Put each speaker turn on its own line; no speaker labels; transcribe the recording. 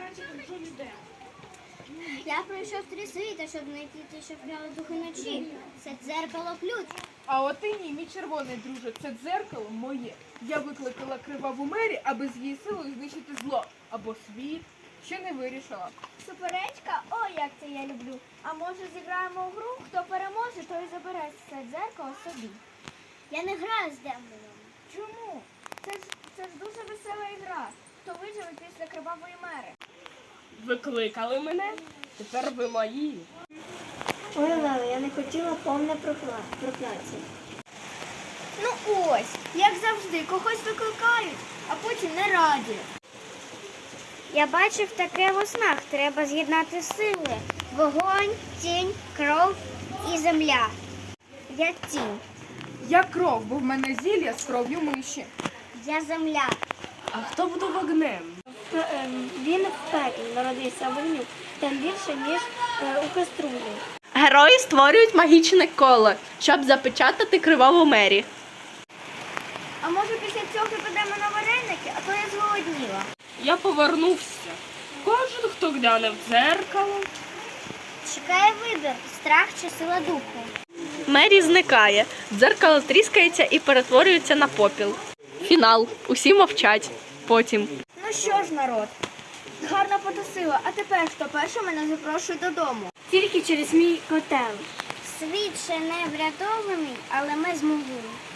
Я пройшов 3 світа, щоб знайти те, що вкрали духи ночі. Це дзеркало ключ.
А от і ні, мій червоний друже, це дзеркало моє. Я викликала криваву Мері, аби з її силою знищити зло. Або світ. Ще не вирішила.
Суперечка? О, як це я люблю. А може зіграємо в гру? Хто переможе, той забере це дзеркало собі.
Я не граю з демоном.
Чому? Це ж дуже весела ігра. Хто виживе після кривавої мери?
Викликали мене? Тепер ви мої.
Ой, Леле, я не хотіла повне прокляття.
Ну ось, як завжди, когось викликають, а потім не раді.
Я бачив таке в снах. Треба з'єднати сили. Вогонь, тінь, кров і земля. Я тінь.
Я кров, бо в мене зілля з кров'ю миші.
Я земля.
А хто буде вогнем?
Він в пеклі народився вогню, тим більше, ніж у каструлі.
Герої створюють магічне коло, щоб запечатати криваву Мері.
А може після цього підемо на вареники, а то я зголодніла.
Я повернувся. Кожен, хто гляне в дзеркало.
Чекає вибір. Страх чи сила духу.
Мері зникає, дзеркало тріскається і перетворюється на попіл. Фінал. Усі мовчать. Потім.
Ну що ж, народ, гарно потусила, а тепер хто перший мене запрошує додому?
Тільки через мій котел.
Світ ще не врятований, але ми змогли.